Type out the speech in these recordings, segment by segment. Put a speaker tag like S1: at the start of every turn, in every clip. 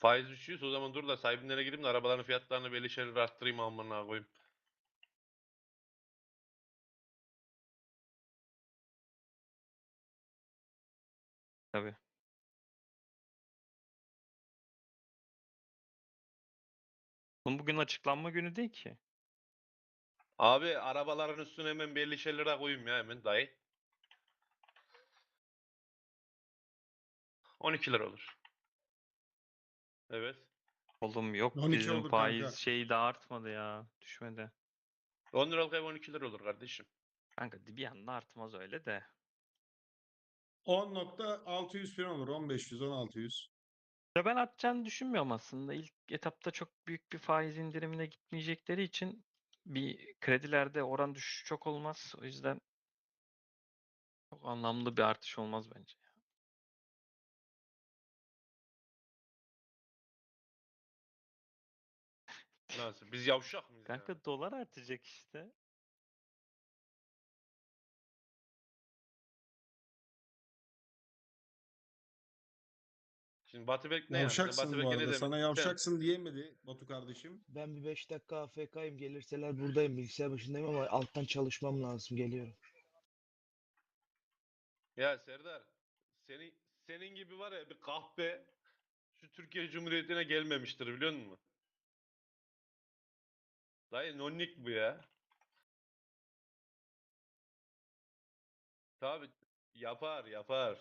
S1: Faiz düşüyorsa o zaman dur da sahibinlere gideyim de arabaların fiyatlarını belli şeyler arttırayım amına koyayım.
S2: Tabii. Bunun bugün açıklanma günü değil ki.
S1: Abi arabaların üstüne hemen belli şeylere koyayım ya hemen dayı. 12 lira olur. Evet.
S2: Oğlum yok
S3: 12
S2: bizim
S3: olur
S2: faiz
S3: kanka.
S2: şeyi de artmadı ya. Düşmedi.
S1: 10 liralık ev 12 lira olur kardeşim.
S2: Kanka bir anda artmaz öyle de.
S3: 10.600 falan olur. 1500, 1600.
S2: Ya ben artacağını düşünmüyorum aslında. İlk etapta çok büyük bir faiz indirimine gitmeyecekleri için bir kredilerde oran düşüşü çok olmaz. O yüzden çok anlamlı bir artış olmaz bence.
S1: Nasıl? Biz yavşak mıyız yani?
S2: Kanka dolar artacak işte.
S1: Şimdi Batı Bek ne yani? Batı
S3: Yavşaksın bu
S1: Bek ne
S3: arada.
S1: demek?
S3: Sana yavşaksın diyemedi Batu kardeşim.
S4: Ben bir 5 dakika AFK'yim. Gelirseler buradayım. Bilgisayar başındayım ama alttan çalışmam lazım. Geliyorum.
S1: Ya Serdar, senin gibi var ya bir kahpe şu Türkiye Cumhuriyeti'ne gelmemiştir biliyor musun? Dayı nonnik bu ya. Tabi yapar yapar.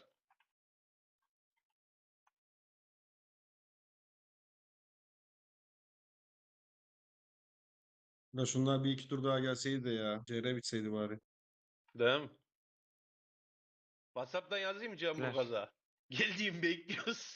S3: Ya şunlar bir iki tur daha gelseydi de ya. CR bitseydi bari.
S1: Değil mi? WhatsApp'tan yazayım mı
S2: Güzel.
S1: Cemburgaz'a? Geldiğimi bekliyoruz.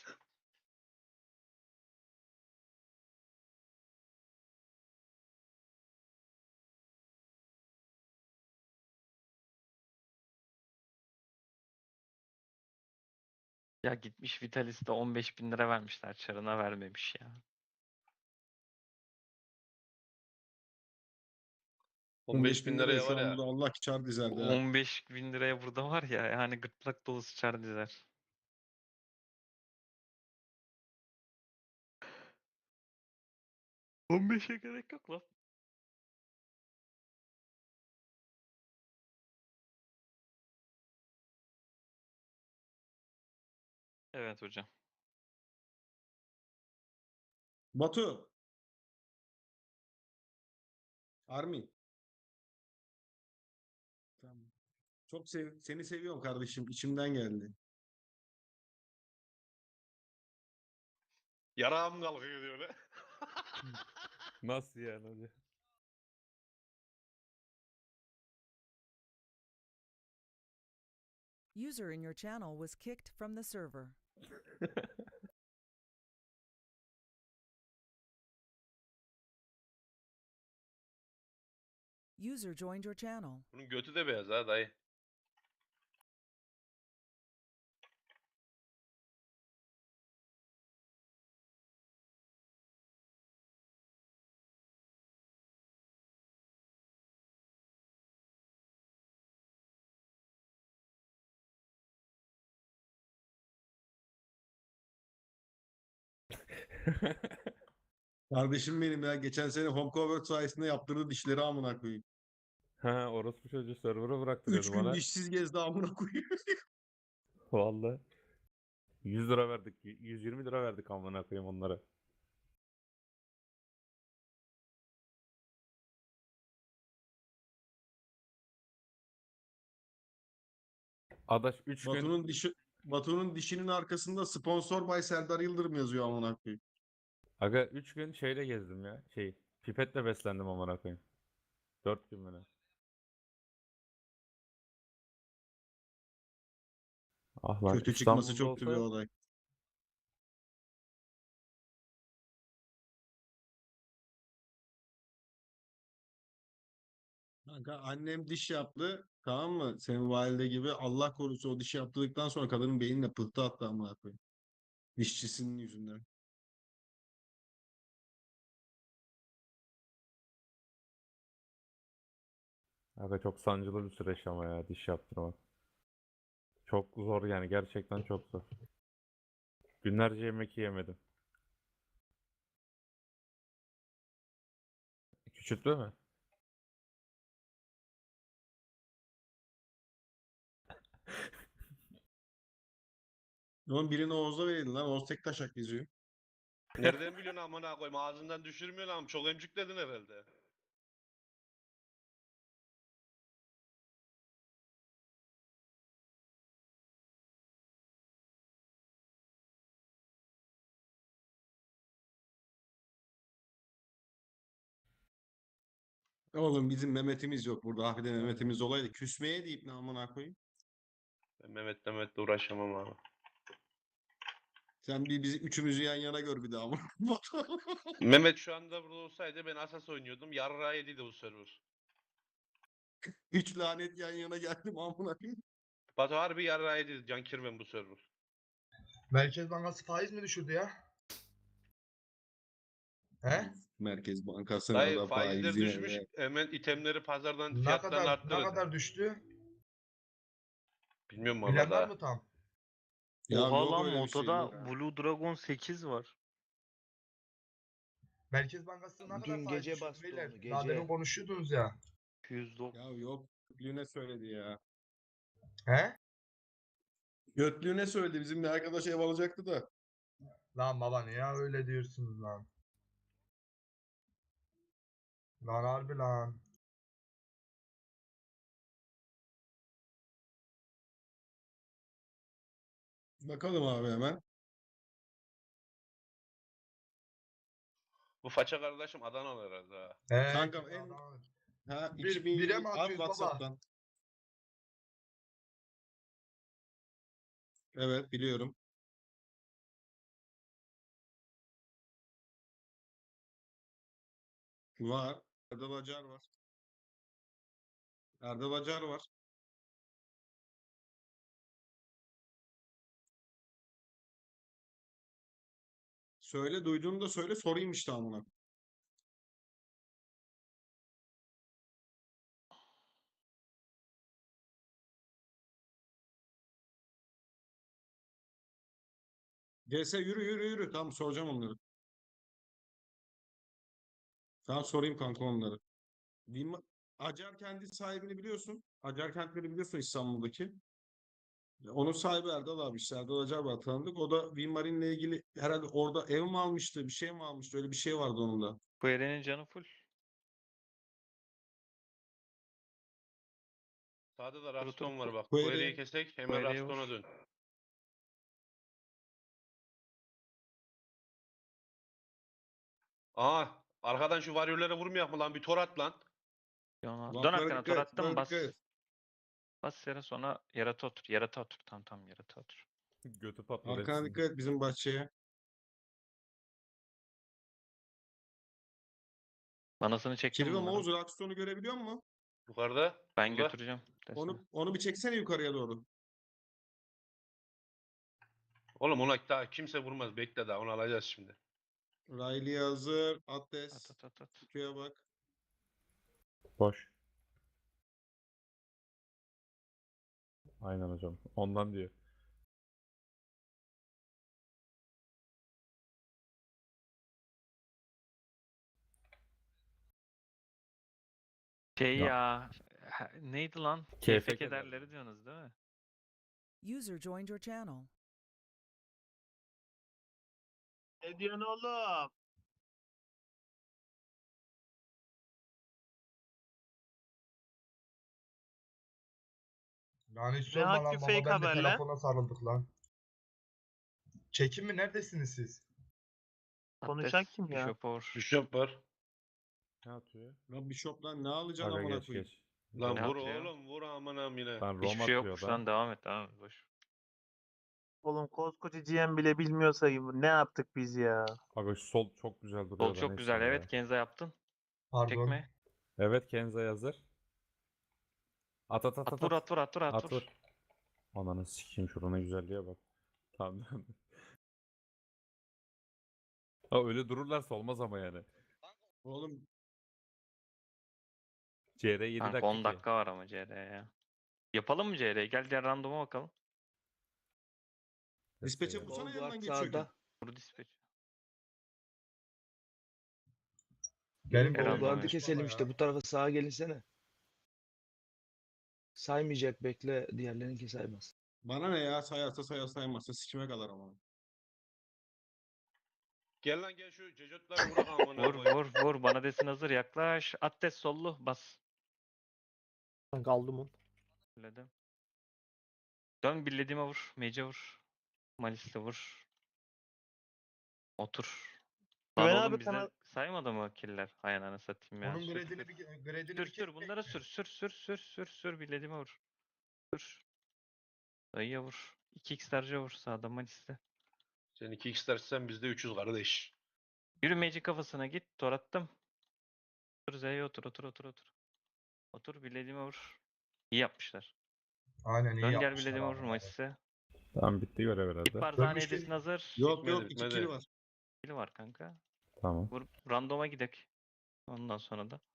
S2: Ya gitmiş Vitalis'te 15.000 lira vermişler. Çarına vermemiş ya.
S1: 15 bin
S3: 15.000 liraya
S1: liraya
S3: şu
S1: var
S3: an
S1: ya.
S3: burada Allah ki çar dizerdi ha.
S2: 15.000 liraya burada var ya yani gırtlak dolusu çar dizer. %15'e gerek yok lan. Evet hocam.
S3: Batu. Army. Tamam. Çok seni seviyorum kardeşim. İçimden geldi.
S1: Yarağım kalkıyor diyor öyle.
S5: Nasıl yani hocam?
S6: User in your channel was kicked from the server. User joined your channel.
S1: Bunun götü de beyaz ha dayı.
S3: Kardeşim benim ya. Geçen sene Home Convert sayesinde yaptırdı dişleri amına koyayım.
S5: Ha, orospu çocuğu server'a
S3: 3
S5: bıraktırıyordu
S3: gün
S5: bana.
S3: dişsiz gezdi amına koyayım.
S5: Vallahi. 100 lira verdik. 120 lira verdik amına koyayım onlara. Adaş 3 gün
S3: Batu'nun dişinin arkasında sponsor by Serdar Yıldırım yazıyor amına koyayım.
S5: aga 3 gün şeyle gezdim ya. Pipetle beslendim amına koyayım. 4 gün mü ne? Ah lan
S3: Kötü çıkması
S5: İstanbul'da
S3: çok kötü bir
S5: olsa
S3: olay. Kanka annem diş yaptı. Tamam mı? Senin valide gibi. Allah korusun o dişi yaptırdıktan sonra kadının beynine pıhtı attı amına koyayım. Dişçisinin yüzünden.
S5: aga çok sancılı bir süreç ama ya diş yaptırmak. Çok zor yani gerçekten çok zor. Günlerce yemek yiyemedim. Küçülttü mü?
S3: Onun birini Oğuz'a verin lan. Oğuz tek taşak geziyor.
S1: Nereden biliyorsun amına koyayım? Ağzından düşürmüyorsun ama çok emcükledin herhalde.
S3: Oğlum bizim Mehmet'imiz yok burada. Hafide Mehmet'imiz olaydı. Küsmeye deyip ne amına koyayım.
S1: Ben Mehmet'le uğraşamam abi.
S3: Sen bir bizi üçümüzü yan yana gör bir daha amına.
S1: Mehmet şu anda burada olsaydı ben Asas oynuyordum. Yarrağı yediydi bu server.
S3: Üç lanet yan yana geldim amına koyayım.
S1: Batu harbi yarrağı yediydi Can Kirven bu server.
S7: Merkez Bankası faiz mi düşürdü ya? He?
S3: Merkez Bankası'na
S1: Dayı
S3: da
S1: faizler
S3: faizi.
S1: düşmüş. Hemen itemleri pazardan
S7: Ne
S1: fiyatlarını
S7: kadar
S1: arttırın.
S7: düştü?
S1: Bilmiyorum valla
S7: Bilen var
S1: da.
S7: mı tam?
S3: Ya
S2: Oha
S3: yok
S2: lan
S3: öyle bir şey,
S2: Moto'da
S3: yok.
S2: Blue Dragon 8 var.
S7: Merkez Bankası ne kadar
S4: Dün
S7: faiz
S4: gece
S7: düşürdü
S4: bastı
S7: beyler?
S4: onu,
S7: Daha demin
S4: gece.
S7: konuşuyordunuz ya.
S2: 209.
S3: Ya yok. Götlüğüne söyledi ya.
S7: He?
S3: Götlüğüne söyledi. Bizimle arkadaş ev alacaktı da.
S7: Lan baba niye öyle diyorsunuz lan? Lan harbi lan.
S3: Bakalım abi hemen.
S1: Bu faça kardeşim Adanalı herhalde ha.
S7: He,
S3: Kankam
S7: kesin
S3: en-
S7: adam.
S3: Ha,
S7: Bire mi
S3: At
S7: atıyoruz baba?
S3: WhatsApp'tan. Evet biliyorum. Var. Erdal Acar var. Erdal Acar var. Söyle duyduğunu da söyle sorayım işte amına. GS yürü yürü yürü. Tamam soracağım onları. Tamam sorayım kanka onları. Acar kendi sahibini biliyorsun. Acar kentleri biliyorsun İstanbul'daki. Onun sahibi Erdal abi işte Erdal Acar var tanıdık. O da Winmarin'le ilgili herhalde orada ev mi almıştı bir şey mi almıştı öyle bir şey vardı onun da.
S2: Bu Eren'in canı full.
S1: Sağda da
S2: Dur,
S1: Raston
S2: dur,
S1: var bak.
S3: bu
S1: Bu eriyi
S3: eri-
S1: kesek
S2: bu
S1: hemen
S2: eriye
S1: Raston'a
S2: vur.
S1: dön. Aa arkadan şu varyörlere vurmayak mı lan bir tor at lan.
S2: Dön
S3: Buff'lara
S2: arkana tor
S3: dikkat,
S2: attım
S3: buff'lara
S2: bas.
S3: dikkat et.
S2: Bas yere sonra yarata otur. Yarata otur. Tamam yarata otur.
S5: Götü patladı
S3: Arkana
S5: hepsinin.
S3: dikkat et bizim bahçeye.
S2: Manasını çektim
S3: Kirve
S2: bunların.
S3: Oğuz Rockstone'u görebiliyor musun?
S1: Yukarıda.
S2: Ben
S1: burada.
S2: götüreceğim. Desene.
S3: Onu bir çeksene yukarıya doğru.
S1: Oğlum ona daha kimse vurmaz. Bekle daha onu alacağız şimdi.
S3: Riley hazır.
S2: At
S3: Atlas.
S2: at at at.
S3: Kutuya bak.
S5: Boş. Aynen hocam. Ondan diyor.
S2: Şey
S5: Ya.
S2: ya. Neydi lan?
S5: KFK
S2: KFK
S5: derleri.
S2: derleri diyorsunuz değil mi?
S6: User joined your channel.
S8: Ne diyorsun oğlum?
S7: Lan hiç
S8: Ne
S7: sorma
S8: hakkı
S7: lan baba
S8: fake
S7: ben de
S8: haberler?
S7: telefona sarıldık lan. Çekim mi neredesiniz siz?
S8: Konuşan
S2: Atlas,
S8: kim ya?
S2: Bishop Or.
S1: Bishop var.
S5: Ne atıyor?
S3: Lan Bishop'dan ne alacaksın
S5: Aga
S3: amına
S5: geç
S3: koyayım?
S5: geç.
S1: Lan
S2: Ne
S1: vur
S2: atıyor?
S1: oğlum vur amanam yine.
S5: Lan Rom
S2: Hiçbir şey
S5: atıyor
S2: yokmuş
S5: da.
S2: lan devam et devam et. Boş.
S8: Oğlum koskoca GM bile bilmiyorsa ne yaptık biz ya?
S5: Aga şu sol çok güzel duruyor
S2: Sol
S5: da
S2: çok
S5: neyse
S2: güzel
S5: ya.
S2: evet Kenza yaptın.
S7: Pardon.
S2: Tekme.
S5: Evet Kenza hazır. At at at
S2: At
S5: at.
S2: vur at vur at vur at
S5: At
S2: vur.
S5: vur. Ananı sikeyim şurana güzelliğe bak. Tamam. Ha öyle dururlarsa olmaz ama yani.
S3: Oğlum
S5: CR 7
S2: Kanka
S5: dakika.
S2: 10 dakika var ama CR'ye ya. Yapalım mı CR'ye? Gel diğer randoma bakalım.
S3: dispatch'e
S5: bu.
S3: vursana
S4: Sol
S3: yanından
S4: guard
S3: geçiyor.
S4: sağda.
S2: Vur dispatch.
S7: Benim
S2: Her
S4: Bu
S2: anlamda.
S4: gardı keselim işte. Bu tarafa sağa gelinsene. Saymayacak, bekle. Diğerlerinki saymaz.
S3: Bana ne ya, sayarsa sayar, saymazsa sikime kadar ama.
S1: Gel lan gel şu cecotları vurak amına
S2: Vur
S1: koyayım.
S2: vur vur. Bana desin hazır. Yaklaş. Attes sollu. Bas.
S9: Kanka aldım onu.
S2: Söyledim. Dön bilediğime vur. Mage'e vur. Malis'le vur. Otur. Lan
S8: Güven
S2: oğlum
S8: abi
S2: bize
S8: kanal
S2: saymadı mı killer? Hay ananı satayım ya.
S7: Onun
S2: Sür
S7: gradini
S2: sür.
S7: bir gradini
S2: Sür
S7: bir
S2: sür bunlara sür sür sür sür sür sür bilediğime vur. Sür. Dayıya vur. 2x darca vur sağda Malis'te.
S1: Sen 2x dersen bizde 300 kardeş.
S2: Yürü Mage kafasına git. Tor attım. Otur Z'ye otur otur otur otur. Otur bilediğime vur. İyi yapmışlar.
S7: Aynen iyi
S2: Dön gel
S7: yapmışlar
S2: bilediğime vur
S7: abi.
S2: Malis'te.
S5: Tamam bitti görev herhalde.
S2: Git Barzani
S7: Dönmüş
S2: edesin
S7: değil.
S2: hazır.
S3: Yok
S1: Bitmedi,
S3: yok, iki
S1: bitmedi.
S3: kili var.
S2: Kili var kanka.
S5: Tamam.
S2: Vur randoma gidek. Ondan sonra da.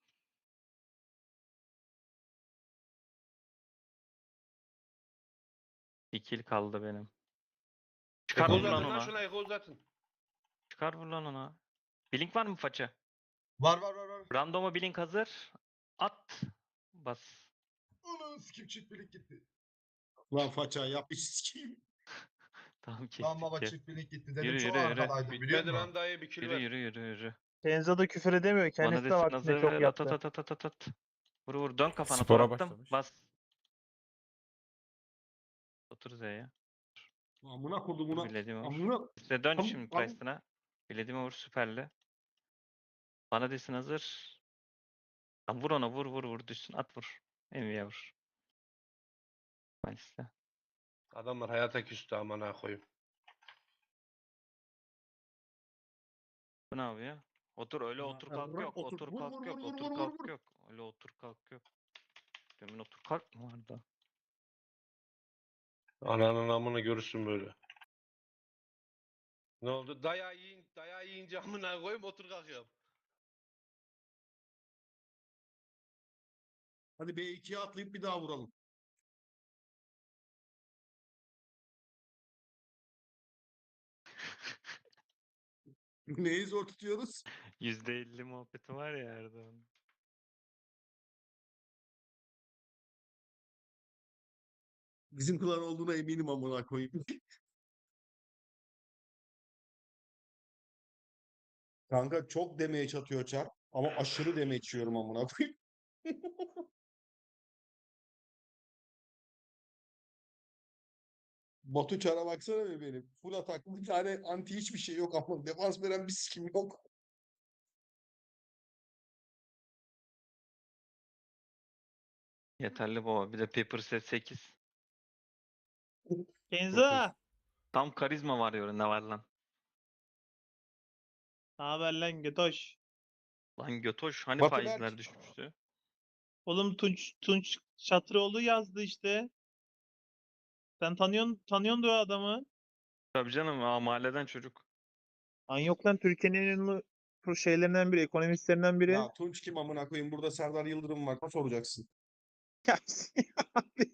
S2: Bir kill kaldı benim. Çıkar
S1: Eko
S2: vur lan
S1: uzatın lan
S2: ona.
S1: şuna eko uzatın.
S2: Çıkar vur lan ona. Blink var mı faça?
S7: Var.
S2: Randoma blink hazır. At. Bas.
S7: Onu sikim çift birlik gitti.
S3: Lan faça yap iş sikeyim.
S2: Tamam
S7: Lan
S2: kestik
S7: baba
S2: ya.
S7: çift birlik gitti dedim.
S2: Yürü,
S7: Çok
S2: yürü, yürü.
S7: arkadaydım biliyor
S1: Bitmedi
S7: musun?
S1: lan dayı bir kill
S2: Yürü
S1: ver.
S2: yürü yürü yürü.
S8: Kenzo da küfür edemiyor.
S2: Bana
S8: Kendisi de
S2: desin
S8: vaktinde
S2: hazır.
S8: çok
S2: At
S8: yaptı.
S2: at at at at at. Vur vur. Dön kafana.
S5: Spora
S2: Tor attım.
S5: başlamış.
S2: Bas. Otur Z'ye.
S3: Amına
S2: Vur
S3: kodumuna.
S2: bilediğime vur.
S3: Amına.
S2: Size dön
S3: Am-
S2: şimdi
S3: am-
S2: Price'ına. Bilediğime vur süperli. Bana desin hazır. Lan vur ona vur vur vur düşsün. At vur. Envy'ye vur. Malis'te.
S1: Adamlar hayata küstü amına koyayım.
S2: Bu ne yapıyor? Otur öyle
S3: Ya,
S2: otur
S3: ya,
S2: kalk
S3: bırak,
S2: yok.
S3: otur.
S2: Otur
S3: Vur,
S2: kalk
S3: vur,
S2: yok.
S3: vur, vur,
S2: Otur
S3: vur, vur,
S2: kalk
S3: vur.
S2: yok. Öyle otur kalk yok. Demin otur kalk mı vardı?
S1: Ananın amını görürsün böyle. Ne oldu? Dayağı yiyince amına koyayım otur kalkıyorum.
S3: Hadi B2'ye atlayıp bir daha vuralım. Neyi zor tutuyoruz?
S2: %50 muhabbeti var ya Erdoğan.
S3: Bizim klan olduğuna eminim amına koyayım. Kanka çok damage atıyor çar ama aşırı damage yiyorum amına koyayım. Batu çara baksana be benim. Full ataklı bir tane anti hiçbir şey yok ama defans veren bir sikim yok.
S2: Yeterli baba. Bir de Paper Set 8.
S8: Kenzo!
S2: Tam karizma var ya ne var lan?
S8: Ne haber lan götoş?
S2: Lan götoş hani
S3: Batu
S2: faizler
S3: Berk.
S2: düşmüştü?
S8: Oğlum Tunç Çatıroğlu yazdı işte. Sen tanıyorsun da o adamı.
S2: Tabii canım mahalleden çocuk.
S8: Lan yok lan Türkiye'nin en ünlü şeylerinden biri, ekonomistlerinden biri.
S3: Ya Tunç kim amına koyayım? Burada Serdar Yıldırım var. Nasıl soracaksın?
S8: Ya, abi.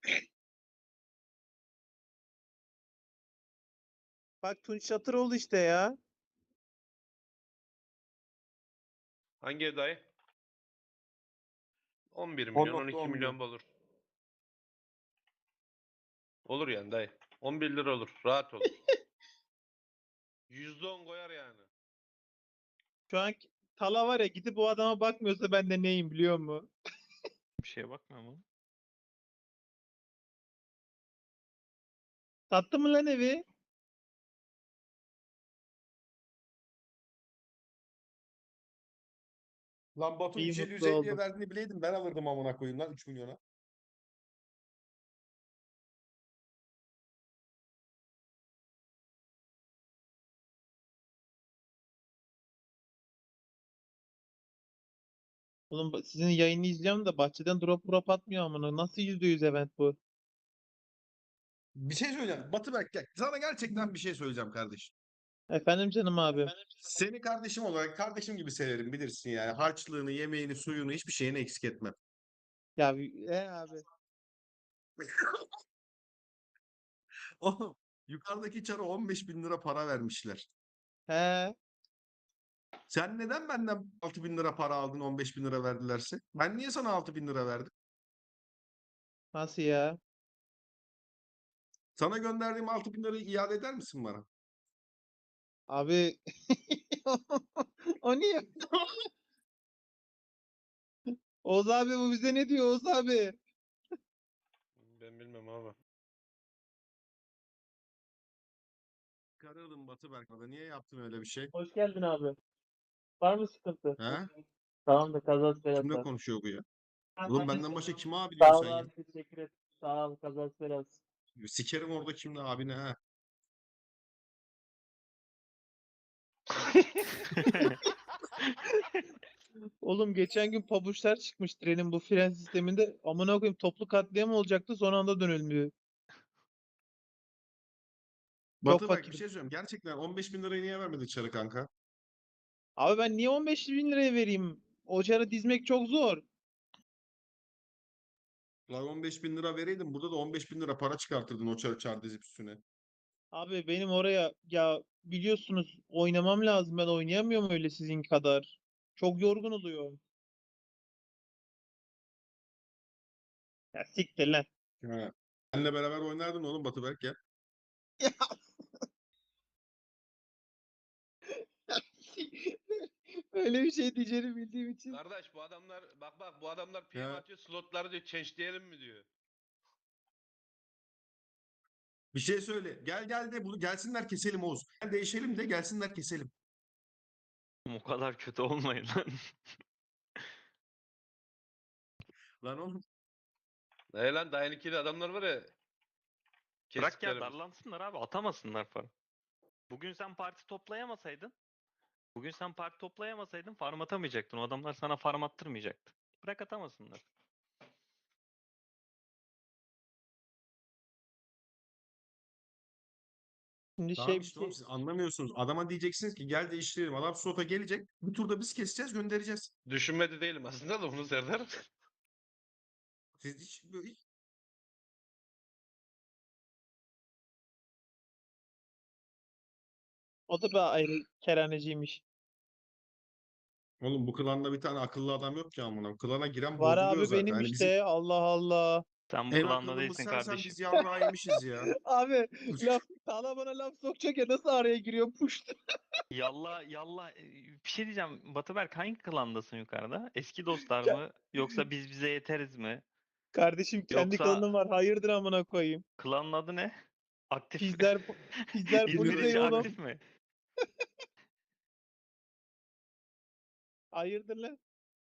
S8: Bak Tunç Çatıroğlu işte ya.
S1: Hangi ev dayı? 11 milyon 12
S3: 10.10
S1: milyon olur. Olur yani dayı. 11 lira olur. Rahat olur. %10 koyar yani.
S8: Şu an Tala var ya gidip o adama bakmıyorsa ben de neyim biliyor musun?
S2: Bir şeye bakmıyor mu?
S8: Sattı mı lan evi?
S3: Lan Batu
S8: İyi,
S3: 350
S8: mutlu
S3: 150'ye
S8: oldum.
S3: verdiğini bileydim ben alırdım amına koyayım lan 3 milyona.
S8: Oğlum sizin yayını izliyorum da bahçeden drop atmıyor amına. Nasıl %100 event bu?
S3: Bir şey söyleyeceğim. Batı Berk gel. Sana gerçekten bir şey söyleyeceğim kardeşim.
S8: Efendim canım abim.
S3: Seni kardeşim olarak kardeşim gibi severim bilirsin yani. Harçlığını, yemeğini, suyunu hiçbir şeyini eksik etmem.
S8: Ya abi.
S3: Oğlum yukarıdaki çara 15 bin lira para vermişler.
S8: He.
S3: Sen neden benden 6.000 lira para aldın 15.000 lira verdilerse? Ben niye sana 6.000 lira verdim?
S8: Nasıl ya?
S3: Sana gönderdiğim 6.000 lirayı iade eder misin bana?
S8: Abi o niye? Oğuz abi bu bize ne diyor Oğuz abi?
S1: Ben bilmem abi.
S3: Karardım Batı Berk'la. Niye yaptın öyle bir şey?
S8: Hoş geldin abi. Var mı sıkıntı?
S3: He?
S8: Tamam da kazası
S3: Kimle
S8: belası.
S3: konuşuyor bu ya? Oğlum benden başka kime abi
S8: Sağ
S3: diyorsun
S8: ol
S3: sen ya?
S8: abi teşekkür ederim. Sağ ol kazası belası.
S3: Sikerim orada kimle abine ha.
S8: Oğlum geçen gün pabuçlar çıkmış trenin bu fren sisteminde. Amına koyayım toplu katliam olacaktı son anda dönülmüyor. Çok
S3: Batı Berk bir
S8: fakirim.
S3: şey söyleyeyim. Gerçekten 15.000 lirayı niye vermedi çarı kanka?
S8: Abi ben niye 15 bin liraya vereyim? O çarı dizmek çok zor.
S3: Lan 15.000 lira vereydin burada da 15.000 lira para çıkartırdın o çar dizip üstüne.
S8: Abi benim oraya ya biliyorsunuz oynamam lazım. Ben oynayamıyorum öyle sizin kadar. Çok yorgun oluyor. Ya siktir lan.
S3: Ha. Benle beraber oynardın oğlum Batı Berk ya.
S8: Öyle bir şey diyeceğini bildiğim için.
S1: Kardeş bu adamlar bak bu adamlar PM
S3: Ya.
S1: atıyor slotları diyor change mi diyor.
S3: Bir şey söyle. Gel de bunu gelsinler keselim Oğuz. Gel değişelim de gelsinler keselim.
S2: O kadar kötü olmayın lan.
S3: Lan oğlum.
S1: Ne lan daha yeni adamlar var ya.
S2: Bırak ya
S1: Kestiklerimiz.
S2: darlansınlar abi atamasınlar falan. Bugün sen parti toplayamasaydın farm atamayacaktın. O adamlar sana farm attırmayacaktı. Bırak atamasınlar.
S8: Şimdi
S3: Tamam
S8: şey bir
S3: işte oğlum
S8: şey.
S3: siz anlamıyorsunuz. Adama diyeceksiniz ki gel değiştirelim. Adam slota gelecek. Bir turda biz keseceğiz göndereceğiz.
S1: Düşünmedi değilim aslında da bunu Serdar.
S3: Siz hiç.
S8: O da bir ayrı keraneciymiş.
S3: Oğlum bu klanda bir tane akıllı adam yok ki amına. Klana giren
S8: Var
S3: bozuluyor
S8: abi
S3: zaten.
S8: benim
S3: Hani bizim
S8: işte. Allah Allah.
S2: Sen bu
S3: en
S2: klanda
S3: akıllımız
S2: değilsin
S3: sensen
S2: kardeşim.
S3: biz yarrağı yemişiz ya.
S8: Abi laf Tala bana laf sokacak ya nasıl araya giriyor puşt.
S2: Yallah bir şey diyeceğim. Batıberk hangi klandasın yukarıda? Eski dostlar
S8: Ya-
S2: mı? Yoksa biz bize yeteriz mi?
S8: Kardeşim kendi
S2: Yoksa
S8: klanım var. Hayırdır amına koyayım.
S2: klanın adı ne? Aktif.
S8: Pizler
S2: İzmir
S8: polise
S2: içi
S8: oğlum.
S2: aktif mi?
S8: Hayırdır lan.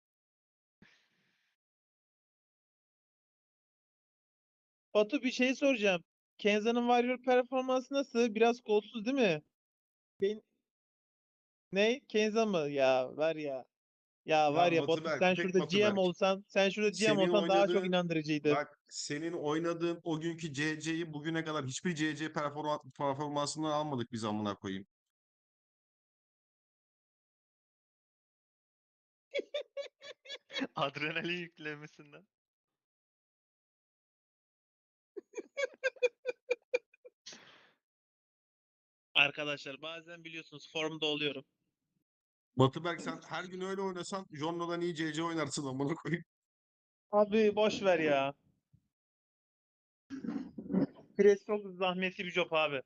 S8: Batu bir şey soracağım. Kenza'nın Warrior performansı nasıl? Biraz kolsuz değil mi? Ben... Ne? Kenza mı? Ya var ya. Ya var
S3: Lan
S8: ya Batu
S3: Batıberk,
S8: sen
S3: tek
S8: şurada GM
S3: Batıberk.
S8: olsan
S3: Senin
S8: daha çok
S3: oynadığın
S8: inandırıcıydı.
S3: bak senin oynadığın o günkü CC'yi bugüne kadar hiçbir CC performansından almadık biz amına koyayım.
S2: Adrenalin yüklemesinden.
S8: Arkadaşlar bazen biliyorsunuz formda oluyorum.
S3: Batıberk sen her gün öyle oynasan Jonno'dan iyi CC oynarsın amına koyayım.
S8: Abi boş ver ya. Pres çok zahmetli bir job abi.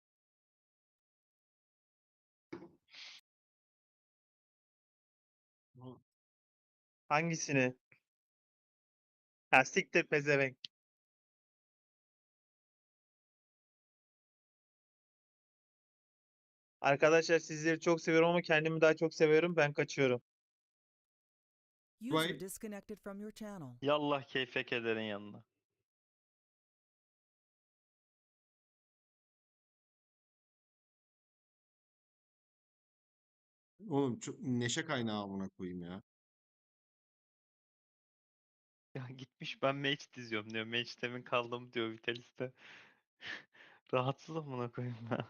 S8: Hangisini? Ha siktir pezevenk. Arkadaşlar sizleri çok seviyorum ama kendimi daha çok seviyorum. Ben kaçıyorum.
S6: User
S3: Right.
S6: disconnected from your channel.
S2: Yallah keyfe kederin yanına.
S3: Oğlum çok neşe kaynağı amına koyayım ya.
S2: Ya gitmiş ben mage diziyorum diyor. Mage temin kaldım diyor Vitalis'te. Rahatsız amına koyayım ya.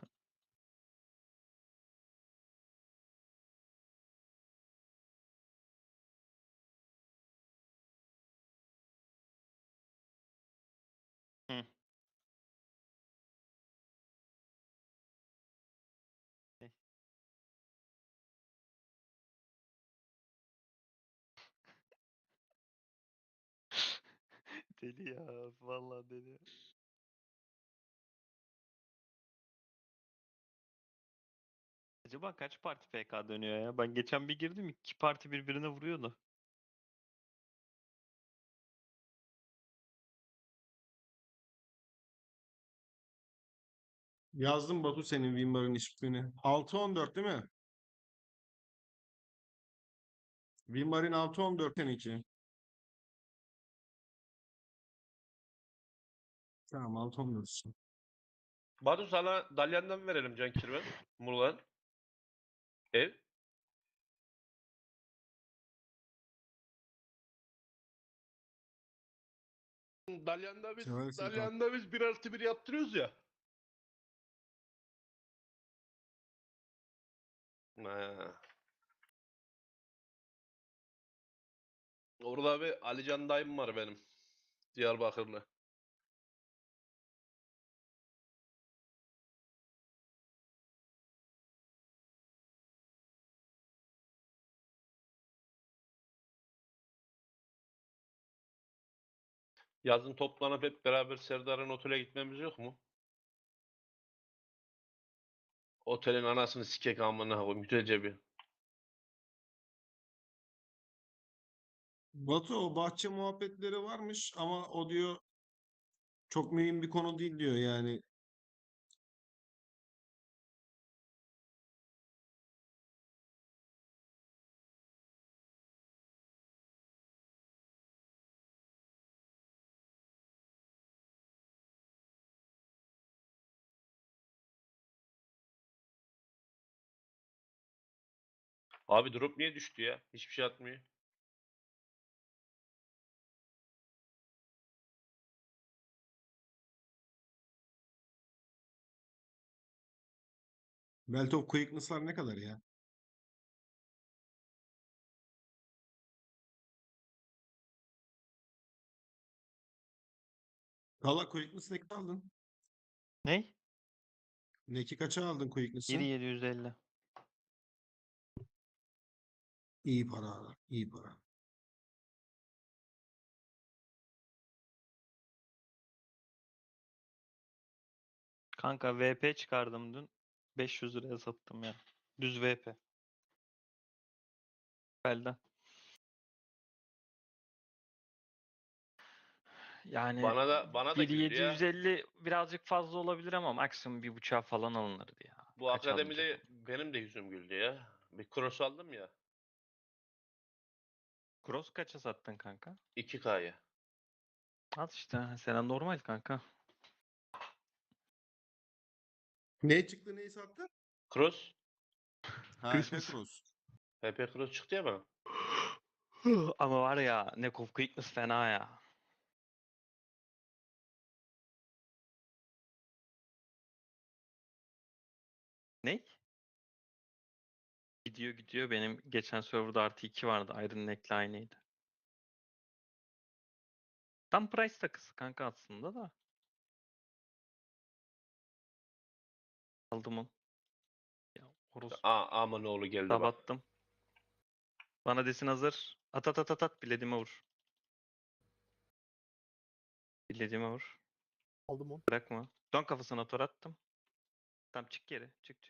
S2: Hı. Deli ya. Vallahi deli. Acaba kaç parti FK dönüyor ya? Ben geçen bir girdim, 2 parti birbirine vuruyordu.
S3: Yazdım Batu senin Wimbar'ın ismini. 6-14 değil mi? Wimbar'ın 6-14'ten 2. Tamam 6-14.
S1: Batu sana Dalyan'dan verelim Can Kirven. Muğla'dan. Ev.
S3: Seversin kanka.
S1: Dalyan'da biz 1+1 yaptırıyoruz ya. Ha. Orada bir Alican dayım var benim. Diyarbakırlı. Yazın toplanıp hep beraber Serdar'ın otele gitmemiz yok mu? Otelin anasını sikek amına koyayım. Güzelce bir.
S3: Batu o bahçe muhabbetleri varmış ama o diyor çok mühim bir konu değil diyor yani.
S1: Abi drop niye düştü ya? Hiçbir şey atmıyor.
S3: Belt of Quickness'lar ne kadar ya? Valla Quickness ne kadar aldın?
S2: Ney?
S3: Neki kaça aldın Quickness'ı?
S2: 1.750.
S3: İyi para abi, iyi para.
S2: Kanka VP çıkardım dün. 500 liraya sattım ya. Düz VP. Belden. Yani
S1: Bana da güldü ya.
S2: 1.750 birazcık fazla olabilir ama maksimum 1.5'a falan alınırdı ya.
S1: Bu
S2: Kaç
S1: akademide
S2: alınacak?
S1: benim de yüzüm güldü ya. Bir cross aldım ya.
S2: Cross kaça sattın kanka?
S1: 2K'ya.
S2: Al işte. Sen normal kanka.
S3: Ne çıktı neyi sattı?
S1: Cross.
S3: Ha,
S2: Christmas.
S3: Cross.
S1: HP cross çıktı ya bana.
S2: Ama var ya, Neck of Quickness fena ya. Ne? Gidiyor. Benim geçen serverda artı 2 vardı. Iron Neck'le aynıydı. Tam price takısı kanka aslında da. Aldım onu. Ya orospu.
S1: Aman oğlu geldi bak.
S2: Sabattım. Bana desin hazır. At. Bilediğime vur. Bilediğime vur.
S9: Aldım onu.
S2: Bırakma. Dön kafasına tor attım. Tam çık geri. Çık.